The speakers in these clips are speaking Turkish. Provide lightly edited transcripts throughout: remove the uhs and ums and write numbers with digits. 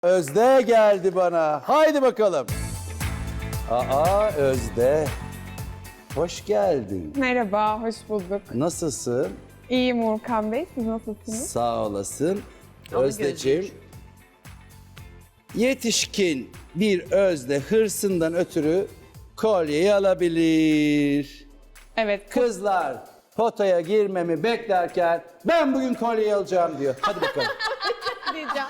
Özde geldi bana. Haydi bakalım. Aa Özde. Hoş geldin. Merhaba, hoş bulduk. Nasılsın? İyiyim Urkan Bey, siz nasılsınız? Sağ olasın. Özdeciğim. Yetişkin bir Özde hırsından ötürü kolyeyi alabilir. Evet, Kızlar potaya girmemi beklerken ben bugün kolyeyi alacağım diyor. Hadi bakalım. diyeceğim.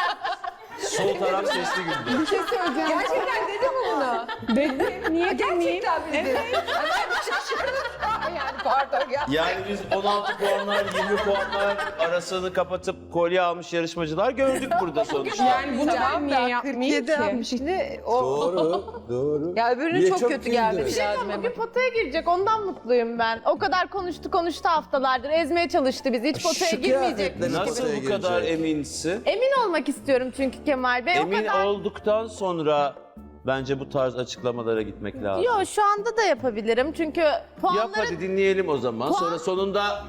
Sol taraf sesli güldü. Bir şey söyleyeceğim. Gerçekten dedi mi bunu? Dedi, niye demeyeyim? Gerçekten mi dedi? Ben şaşırdım. Yani pardon ya. Yani biz 16 puanlar, 20 puanlar arasını kapatıp kolye almış yarışmacılar gördük burada sonuçta. Yani bunu ben niye yapmayayım ki? Şimdi o... Doğru, doğru. Ya öbürünün Niye çok kötü güldün? gelmiş lazım. Bugün potaya girecek, ondan mutluyum ben. O kadar konuştu haftalardır, ezmeye çalıştı bizi. Hiç potaya Şu girmeyecekmiş kıyafetleri gibi. Nasıl potaya bu kadar girecek? eminsin? Emin olmak istiyorum çünkü Kemal Bey. Emin o kadar... olduktan sonra bence bu tarz açıklamalara gitmek lazım. Yo, şu anda da yapabilirim çünkü Yap puanları... hadi dinleyelim o zaman. Sonra sonunda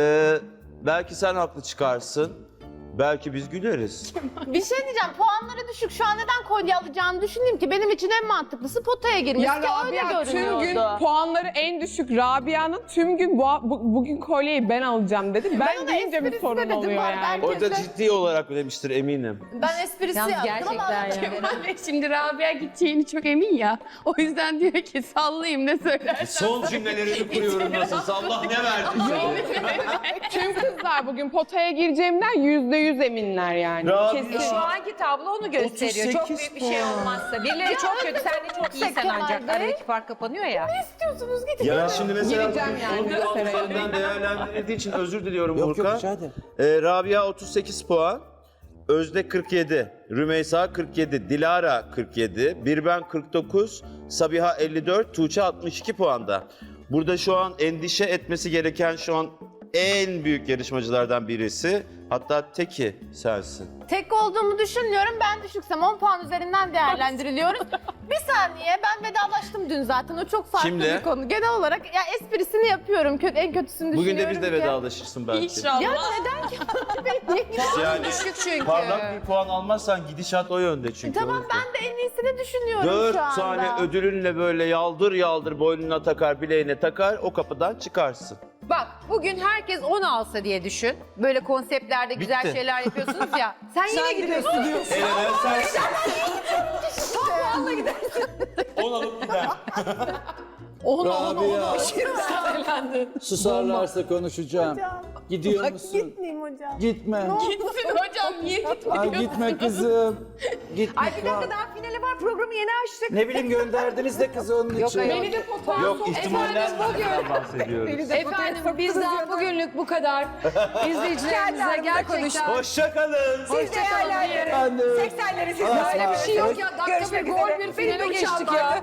belki sen haklı çıkarsın. Belki biz güleriz. Bir şey diyeceğim, puanları düşük. Şu an neden kolye alacağını düşündüm ki benim için en mantıklısı potaya girmesi Ya ki öyle Rabia tüm görünüyordu. gün puanları en düşük Rabia'nın tüm gün bugün kolyeyi ben alacağım dedi. Ben ona deyince bir esprisine sorun dedim, oluyor var. yani. Ben- O da ciddi olarak demiştir eminim. Ben esprisi Yalnız yaptım ama... gerçekten ya. Kemal Bey şimdi Rabia gideceğini çok emin ya. O yüzden diyor ki sallayayım ne söylersen. Son cümlelerini kuruyorum nasılsa Allah ne verdiyse. Tüm kızlar bugün potaya gireceğimden %100 eminler yani. Rabia. Kesin. Şu anki tablo onu gösteriyor. Çok 38 büyük bir şey olmazsa. Birileri çok kötü, sen de çok iyisin Kemal ancak. Bey. Aradaki fark kapanıyor ya. İstiyorsunuz gidin. Ya şimdi mesela Gireceğim yani, bunu bir gösterelim. altından değerlendirildiği için özür diliyorum Yok yok Burkan. rica ederim. Rabia 38 puan, Özde 47, Rümeysa 47, Dilara 47, Birben 49, Sabiha 54, Tuğçe 62 puanda. Burada şu an endişe etmesi gereken şu an en büyük yarışmacılardan birisi. Hatta teki sensin. Tek olduğumu düşünmüyorum. Ben düşüksem 10 puan üzerinden değerlendiriliyoruz. Bir saniye, ben vedalaştım dün zaten. O çok farklı Şimdi? bir konu. Genel olarak ya esprisini yapıyorum. En kötüsünü Bugün düşünüyorum de biz de ki. vedalaşırsın belki. İnşallah. Ya neden ki? Niye gidiyorsun? Yani Düşük çünkü. parlak bir puan almazsan gidişat o yönde çünkü. Tamam, o yüzden. ben de en iyisini düşünüyorum 4 şu anda. tane ödülünle böyle yaldır yaldır boynuna takar, bileğine takar, o kapıdan çıkarsın. Bak bugün herkes 10 alsa diye düşün. Böyle konseptlerde güzel Bitti. şeyler yapıyorsunuz ya. Sen yine gidiyorsun. Elenen sensin. 10 alıp gider. 10 Rabia. Susarlarsa konuşacağım. Gidiyor musun? Gitmeyeyim hocam. Gitme. Gitsin hocam niye gitmiyor? Ay gitme kızım. Gitme. Ay bir dakika daha finale var. Programı yeni açtık. Ne bileyim gönderdiniz de kızı onun için. hayır. Beni de potaya Yok ihtimallerden bahsediyoruz. Efendim bizden bugünlük bu kadar. İzleyicilerimize gerçekten... Hoşça kalın. Siz değerlendirin. Ben de. 80'leri siz böyle bir şey yok ya. Dakika bir gol bir finale geçtik ya.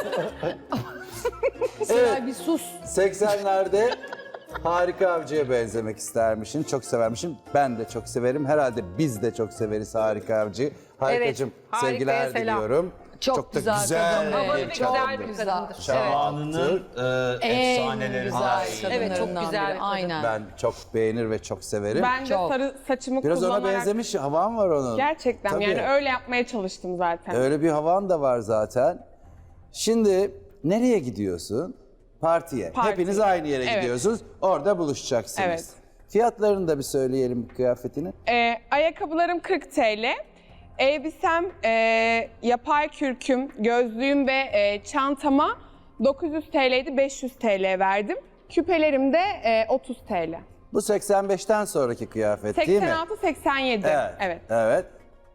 Evet. Bir sus. 80'lerde Harika Avcı'ya benzemek istermişim. Çok severmişim. Ben de çok severim. Herhalde biz de çok severiz Harika Avcı'yı. Harikacığım Harikaya sevgiler selam. diliyorum. Çok da güzel kadın. Ama bir bir güzel kadındır. bir kadındır. Zamanının efsanelerinden. Evet çok güzel. Aynen. Ben çok beğenir ve çok severim. Ben de Çok. sarı saçımı Biraz ona kullanarak benzemiş havan var onun. gerçekten Tabii. yani öyle yapmaya çalıştım zaten. Öyle bir havan da var zaten. Şimdi nereye gidiyorsun? Partiye. Parti. Hepiniz aynı yere Evet. gidiyorsunuz. Orada buluşacaksınız. Evet. Fiyatlarını da bir söyleyelim kıyafetini. Ayakkabılarım 40 TL. Elbisem, yapay kürküm, gözlüğüm ve çantama 900 TL'ydi, 500 TL verdim. Küpelerim de 30 TL. Bu 85'ten sonraki kıyafet değil mi? 86-87. Evet. Evet.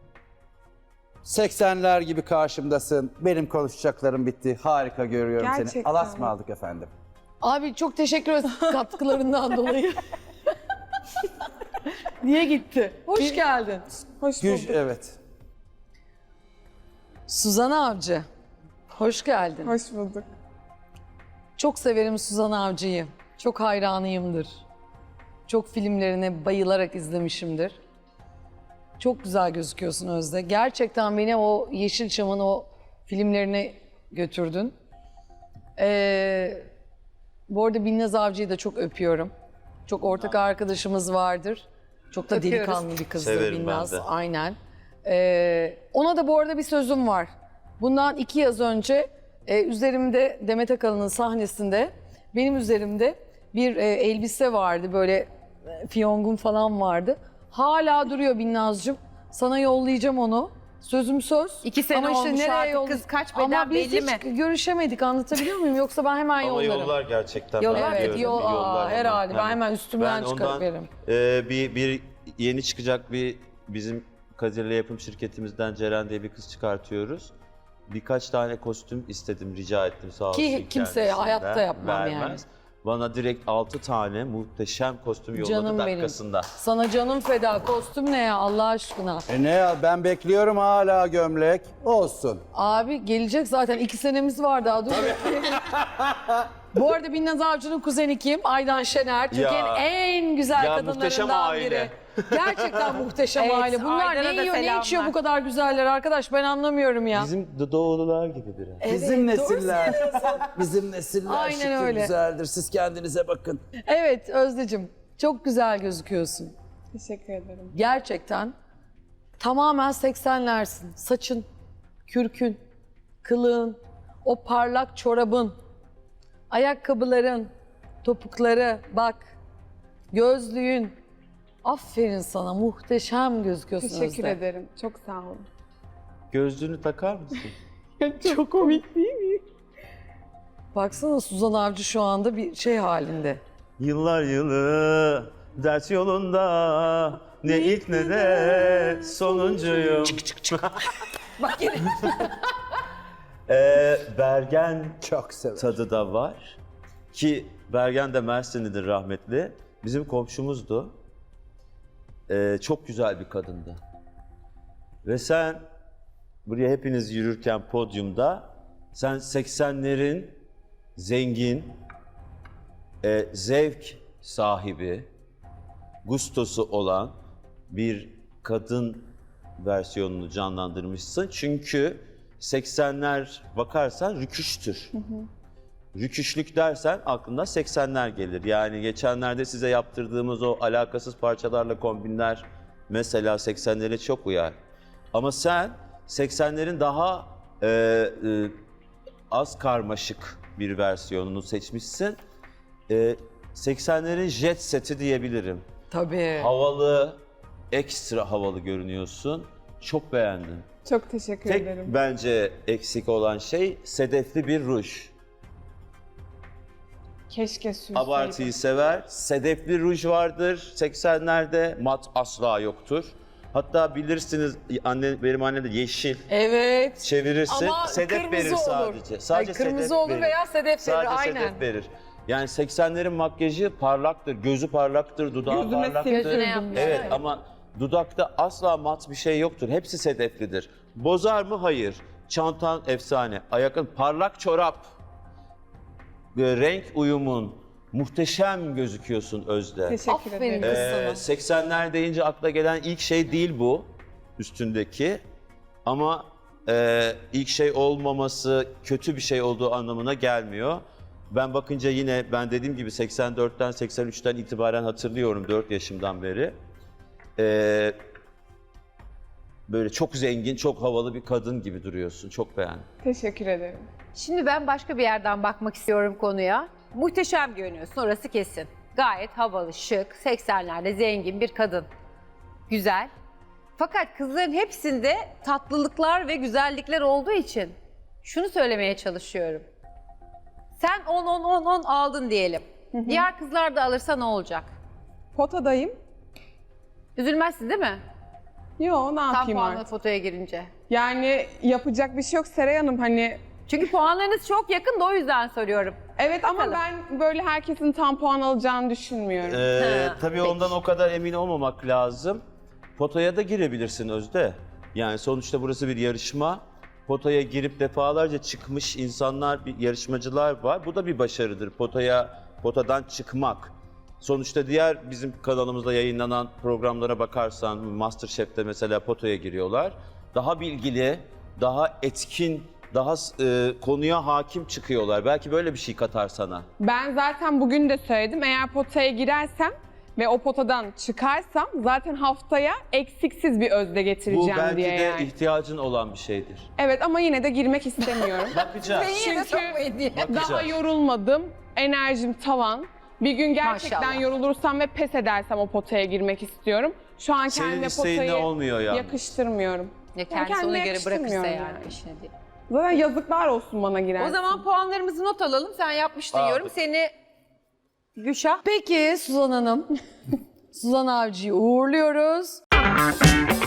80'ler gibi karşımdasın. Benim konuşacaklarım bitti. Harika görüyorum seni. Gerçekten. Alas mı aldık efendim? Abi çok teşekkür ederiz katkılarından dolayı. Niye gitti? Hoş geldin. Hoş Güç, bulduk. evet. Suzan Avcı. Hoş geldin. Hoş bulduk. Çok severim Suzan Avcı'yı. Çok hayranıyımdır. Çok filmlerine bayılarak izlemişimdir. Çok güzel gözüküyorsun Özde. Gerçekten beni o Yeşilçam'ın o filmlerine götürdün. Bu arada Binnaz Avcı'yı da çok öpüyorum. Çok ortak arkadaşımız vardır. Çok da Öpüyoruz. delikanlı bir kızdır Severim ben Binnaz. de. Aynen. Ona da bu arada bir sözüm var. Bundan 2 yaz önce üzerimde Demet Akalın'ın sahnesinde benim üzerimde bir elbise vardı. Böyle fiyongun falan vardı. Hala duruyor Binnaz'cığım. Sana yollayacağım onu. Sözüm söz. 2 sene olmuş artık, kız kaç beden Ama biz belli hiç mi? görüşemedik, anlatabiliyor muyum? Yoksa ben hemen Ama yollarım. yollar gerçekten. Yollar, ben Evet, biliyorum, yollar herhalde. onlar. Ben hemen üstümden Ben çıkarıp ondan, veririm. bir yeni çıkacak bizim Kadir'le yapım şirketimizden Ceren diye bir kız çıkartıyoruz. Birkaç tane kostüm istedim, rica ettim sağ olsun. Ki kimseye kendisinden. hayatta yapmam yani. Vermez. Bana direkt 6 tane muhteşem kostüm yolladı Canım benim. dakikasında. Sana canım feda. Kostüm ne ya Allah aşkına? Ne ya, ben bekliyorum hala gömlek. Olsun. Abi gelecek zaten 2 senemiz var daha dur. Bu arada Binnaz Avcı'nın kuzeni kim? Aydan Şener. Türkiye'nin en güzel Ya muhteşem kadınlarından aile. biri. Gerçekten muhteşem Evet, aile. Bunlar Aydan'a ne da yiyor, ne selamlar. içiyor bu kadar güzeller arkadaş? Ben anlamıyorum ya. Bizim doğulular gibi biraz. Bizim Evet, doğru nesiller. Bizim nesiller Aynen şükür öyle. güzeldir. Siz kendinize bakın. Evet Özdeciğim çok güzel gözüküyorsun. Teşekkür ederim. Gerçekten tamamen 80'lersin. Saçın, kürkün, kılığın, o parlak çorabın, ayakkabıların, topukları bak, gözlüğün. Aferin sana, muhteşem gözüküyorsun Teşekkür Özde. ederim. Çok sağ olun. Gözlüğünü takar mısın? Çok komik değil mi? Baksana Suzan Avcı şu anda bir şey halinde. Yıllar yılı ders yolunda ne ilk ne de sonuncuyum. Bak yine. Bergen Çok severim. tadı da var. Ki Bergen de Mersinlidir rahmetli. Bizim komşumuzdu. Çok güzel bir kadındı. Ve sen buraya hepiniz yürürken podyumda sen 80'lerin zengin, zevk sahibi, gustosu olan bir kadın versiyonunu canlandırmışsın. Çünkü 80'ler bakarsan rüküştür. Rüküşlük dersen aklına 80'ler gelir. Yani geçenlerde size yaptırdığımız o alakasız parçalarla kombinler mesela 80'lere çok uyar. Ama sen 80'lerin daha az karmaşık bir versiyonunu seçmişsin. 80'lerin jet seti diyebilirim. Tabii. Havalı, ekstra havalı görünüyorsun. Çok beğendim. Çok teşekkür Tek ederim. bence eksik olan şey sedefli bir ruj. Keşke sürseydim. Abartıyı sever. Sedefli ruj vardır 80'lerde, mat asla yoktur. Hatta bilirsiniz benim annem de yeşil Evet. çevirirsin. Ama sedef kırmızı verir olur. sadece. Sadece Ay, kırmızı sedef olur verir. veya sedef verir, Sadece aynen. sedef verir. Yani 80'lerin makyajı parlaktır, gözü parlaktır, dudağı Gözüme parlaktır. sildirdim. yapmış. Evet ama dudakta asla mat bir şey yoktur. Hepsi sedeflidir. Bozar mı? Hayır. Çantan efsane. Ayakın parlak çorap. Renk uyumun. Muhteşem gözüküyorsun Özde. Teşekkür Aferin ederim. kız sana. 80'ler deyince akla gelen ilk şey değil bu üstündeki. Ama ilk şey olmaması kötü bir şey olduğu anlamına gelmiyor. Ben bakınca yine ben dediğim gibi 84'ten 83'ten itibaren hatırlıyorum 4 yaşımdan beri. Böyle çok zengin, çok havalı bir kadın gibi duruyorsun. Çok beğendim. Teşekkür ederim. Şimdi ben başka bir yerden bakmak istiyorum konuya. Muhteşem görünüyorsun, orası kesin. Gayet havalı, şık, 80'lerde zengin bir kadın. Güzel. Fakat kızların hepsinde tatlılıklar ve güzellikler olduğu için şunu söylemeye çalışıyorum. Sen 10 aldın diyelim. Diğer kızlar da alırsa ne olacak? Potadayım. Üzülmezsin değil mi? Yo, ne Tam yapayım puanlı artık? fotoya girince. Yani yapacak bir şey yok Seray Hanım, hani Çünkü puanlarınız çok yakın da o yüzden soruyorum. evet ama Bakalım. ben böyle herkesin tam puan alacağını düşünmüyorum. Tabii peki. ondan o kadar emin olmamak lazım. Potaya da girebilirsin Özde. Yani sonuçta burası bir yarışma. Potaya girip defalarca çıkmış insanlar, yarışmacılar var. Bu da bir başarıdır. Potadan çıkmak. Sonuçta diğer bizim kanalımızda yayınlanan programlara bakarsan, MasterChef'te mesela potaya giriyorlar. Daha bilgili, daha etkin, daha konuya hakim çıkıyorlar. Belki böyle bir şey katar sana. Ben zaten bugün de söyledim, eğer potaya girersem ve o potadan çıkarsam zaten haftaya eksiksiz bir özde Bu getireceğim belki diye de yani. ihtiyacın olan bir şeydir. Evet ama yine de girmek istemiyorum. Bakacağız. Çünkü daha Bakacağız. yorulmadım, enerjim tavan. Bir gün gerçekten Maşallah. yorulursam ve pes edersem o potaya girmek istiyorum. Şu an Senin kendime isteğinle potayı olmuyor yani. yakıştırmıyorum. Ya kendisi kendime ona göre bırakırsa yakıştırmıyorum yani işine diye. Zaten yazıklar olsun bana giren. O zaman puanlarımızı not alalım. Sen yapmıştın Aldık. yorum. Seni Gülşah. Peki Suzan Hanım, Suzan Avcı'yı uğurluyoruz.